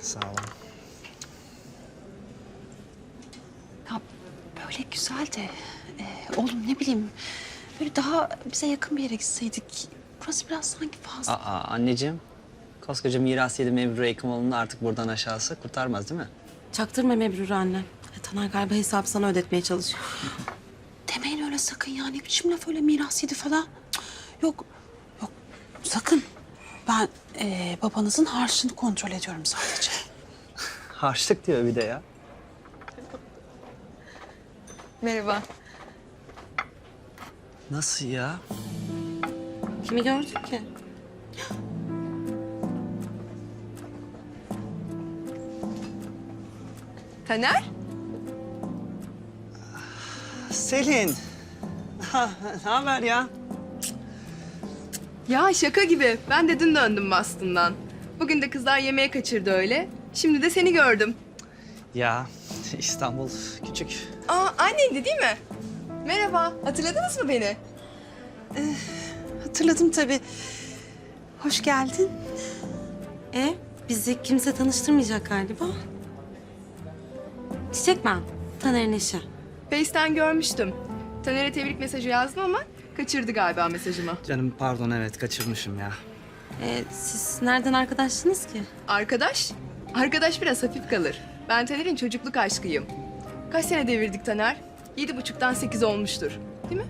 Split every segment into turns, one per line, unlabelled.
Sağ olun.
Ya böyle güzel de oğlum ne bileyim böyle daha bize yakın bir yere gitseydik. Burası biraz sanki fazla.
Anneciğim. Koskoca Mirasiye'de Mebrure Hekimoğlu'nu artık buradan aşağısı kurtarmaz değil mi?
Çaktırma Mebrure anne. Taner galiba hesabı sana ödetmeye çalışıyor.
Demeyin öyle sakın ya. Ne biçim laf öyle mirasiydi falan. Cık, yok yok sakın. Ben babanızın harçlığını kontrol ediyorum sadece.
Harçlık diyor bir de ya.
Merhaba.
Nasıl ya?
Kimi gördün ki?
Taner?
Selin. Ne haber ya?
Ya şaka gibi. Ben de dün döndüm Boston'dan. Bugün de kızlar yemeğe kaçırdı öyle. Şimdi de seni gördüm.
Ya İstanbul küçük.
Aa anneydi değil mi? Merhaba. Hatırladınız mı beni?
Hatırladım tabii. Hoş geldin.
Bizi kimse tanıştırmayacak galiba. Çiçek ben. Taner'in eşi.
Face'ten görmüştüm. Taner'e tebrik mesajı yazdım ama kaçırdı galiba mesajımı.
Canım pardon evet kaçırmışım ya.
Siz nereden arkadaşsınız ki?
Arkadaş? Arkadaş biraz hafif kalır. Ben Taner'in çocukluk aşkıyım. Kaç sene devirdik Taner? 7,5'tan 8 olmuştur. Değil mi?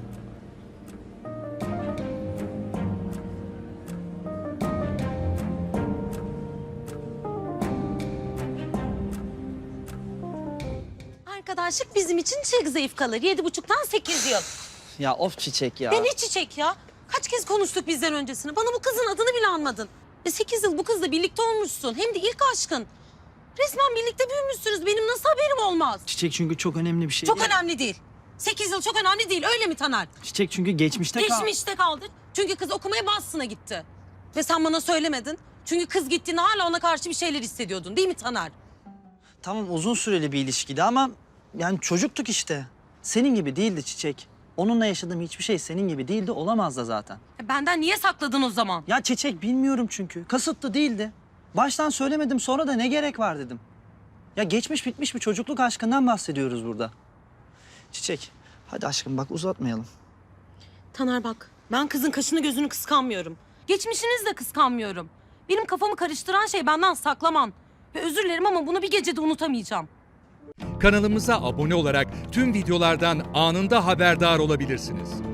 Arkadaşlık bizim için çok zayıf kalır. 7,5'tan 8 yıl.
Ya of Çiçek ya.
Ne Çiçek ya? Kaç kez konuştuk bizden öncesini? Bana bu kızın adını bile anmadın. 8 yıl bu kızla birlikte olmuşsun. Hem de ilk aşkın. Resmen birlikte büyümüşsünüz. Benim nasıl haberim olmaz?
Çiçek çünkü çok önemli bir şey.
Çok önemli değil. 8 yıl çok önemli değil. Öyle mi Taner?
Çiçek çünkü geçmişte
Geçmişte kaldı. Çünkü kız okumaya Boston'a gitti. Ve sen bana söylemedin. Çünkü kız gittiğinde hala ona karşı bir şeyler hissediyordun. Değil mi Taner?
Tamam uzun süreli bir ilişkiydi ama yani çocuktuk işte. Senin gibi değildi Çiçek. Onunla yaşadığım hiçbir şey senin gibi değildi, olamaz da zaten.
Benden niye sakladın o zaman?
Ya Çiçek bilmiyorum çünkü. Kasıtlı değildi. Baştan söylemedim sonra da ne gerek var dedim. Ya geçmiş bitmiş bir çocukluk aşkından bahsediyoruz burada. Çiçek hadi aşkım bak uzatmayalım.
Taner bak, ben kızın kaşını gözünü kıskanmıyorum. Geçmişinizi de kıskanmıyorum. Benim kafamı karıştıran şey benden saklaman. Ve özür dilerim ama bunu bir gecede unutamayacağım.
Kanalımıza abone olarak tüm videolardan anında haberdar olabilirsiniz.